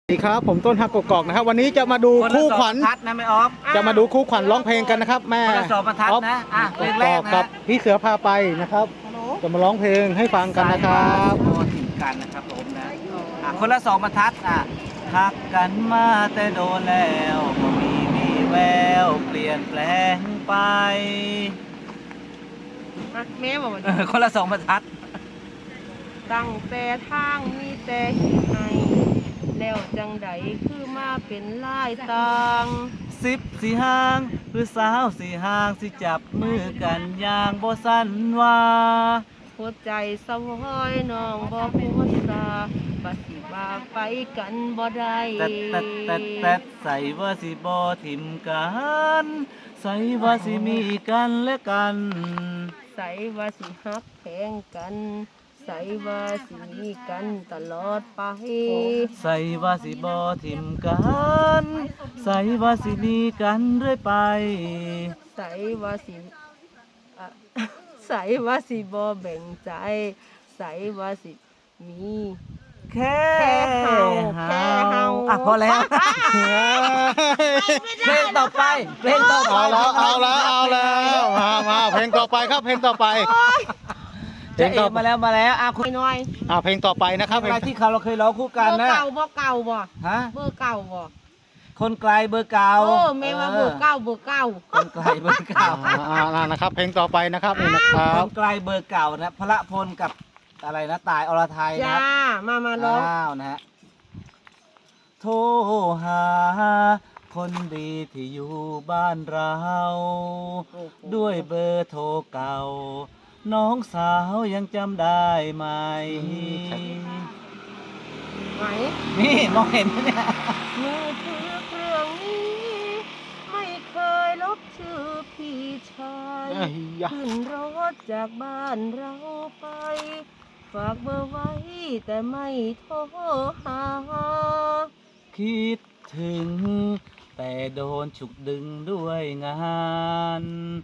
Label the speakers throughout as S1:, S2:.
S1: สวัสดีครับผมต้นฮักกกอกนะครับวันนี้จะมาดูคู่ขวัญ
S2: นะไม่ออฟ
S1: จะมาดูคู่ขวัญร้องเพลงกันนะครับแม่
S2: คนละสองบรรทัดนะเพลงแรกนะ
S1: กับพี่เสือพาไปนะครับจะมาร้องเพลงให้ฟังกันนะครับ
S2: โอ้ถึงกันนะครับผมนะคนละสองบรรทัดทักกันมาแต่โดนแล้วก็มีแววเปลี่ยนแปลงไป
S3: แม่บอกว่า
S2: คนละสองบรรทัด
S3: ตั้งแต่ทางมีแต่หินให้แล้วจังใดคือมาเป็นลายต่าง
S2: 10สิห่างคือสาวสิห่างสิจับมือกันอย่างบ่สั่นว่า
S3: หัวใจสวอยน้องบ่หัวซาบัดสิว่าไปกันบ่ได้
S2: แต่ใส่ว่าสิบ่ทิมกันใส่ว่าสิมีกันและกัน
S3: ใส่ว่าสิฮักแพงกันใส่ว่าสิมีกันตลอดไป
S2: ใส่ว่าสิบ่ทิมกันใส่ว่าสิมีกันเรื่อยไป
S3: ใส่ว่าสิใส่ว่าสิบ่แบ่งใจใส่ว่าสิมี
S2: แค่
S3: เฮา
S2: พอแล้วเพลงต่อไป
S1: เอาแล้วมาเพลงต่อไปครับเพลงต่อไป
S2: เพลงต่อมาแล้ว
S3: คุณน้อย
S1: เพลงต่อไปนะครับ
S2: เพลงที่เราเคยร้องคู่กันนะ
S3: เบอร์เก่าบ่
S2: ฮะ
S3: เบอร์เก่าบ่
S2: คนไกลเบอร์เก่า
S3: แม่ว่าเบอร์เก่า
S2: คนไกลเบอร์เก่า
S1: นะครับเพลงต่อไปนะครับนี่นะครับ
S2: คนไกลเบอร์เก่านะพระพลกับอะไรนะตายอรไทยนะ
S3: มาร้อง
S2: นะฮะโทรหาคนดีที่อยู่บ้านเราด้วยเบอร์โทรเก่าน้องสาวยังจำได้ไหมนี่มองเห็นไหมเนี่ย
S3: มือถือเครื่องนี้ไม่เคยลบชื่อพี่ชายขึ้นรถจากบ้านเราไปฝากเบอร์ไว้แต่ไม่โทรหา
S2: คิดถึงแต่โดนฉุกดึงด้วยงาน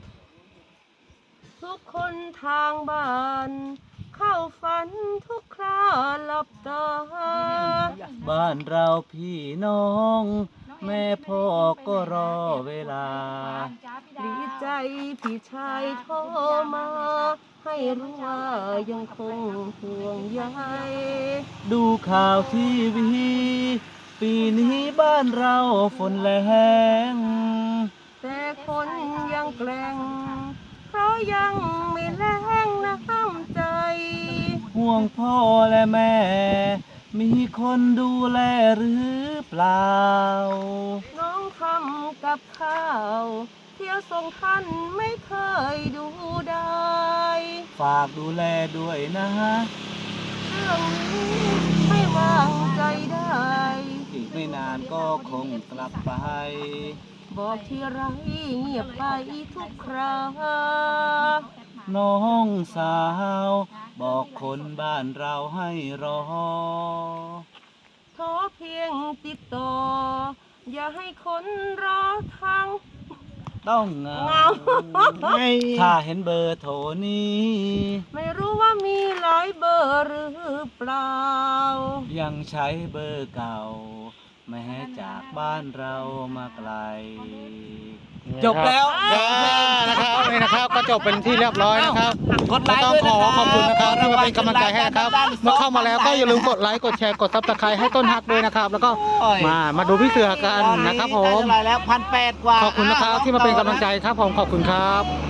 S3: ทุกคนทางบ้านเข้าฝันทุกคราหลับตา
S2: บ้านเราพี่น้องแม่พ่อก็รอเวลา
S3: ดีใจพี่ชายโทรมาให้รู้ว่ายังคงห่วงใย
S2: ดูข่าวทีวีปีนี้บ้านเราฝนแรง
S3: แต่คนยังแกล้งเพราะยังไม่แรงน้ำใจ
S2: ห่วงพ่อและแม่มีคนดูแลหรือเปล่า
S3: น้องทำกับข้าวเที่ยวส่งท่านไม่เคยดูได้
S2: ฝากดูแลด้วยนะ
S3: เรื่องนี้ไม่วางใจได้
S2: อีกไม่นานก็คงกลับไป
S3: บอกที่ไรเงียบไปทุกครา
S2: น้องสาวบอกคนบ้านเราให้รอ
S3: ขอเพียงติดต่ออย่าให้คนรอทาง
S2: ต้องเงาถ้าเห็นเบอร์โทรนี้
S3: ไม่รู้ว่ามีหลายเบอร์หรือเปล่า
S2: ยังใช้เบอร์เก่าแม้จากบ้านเรามาไกลจบแล้ว
S1: นะครับนี่นะครับก็จบเป็นที่เรียบร้อยนะครับต้องขอบคุณนะครับที่มาเป็นกำลังใจให้นะครับเมื่อเข้ามาแล้วก็อย่าลืมกดไลค์กดแชร์กดซับสไครต์ให้ต้นฮักด้วยนะครับแล้วก็มาดูพี่เสือกันนะครับผม
S2: แล้ว1,800 กว่า
S1: ขอบคุณนะครับที่มาเป็นกำลังใจครับผมขอบคุณครับ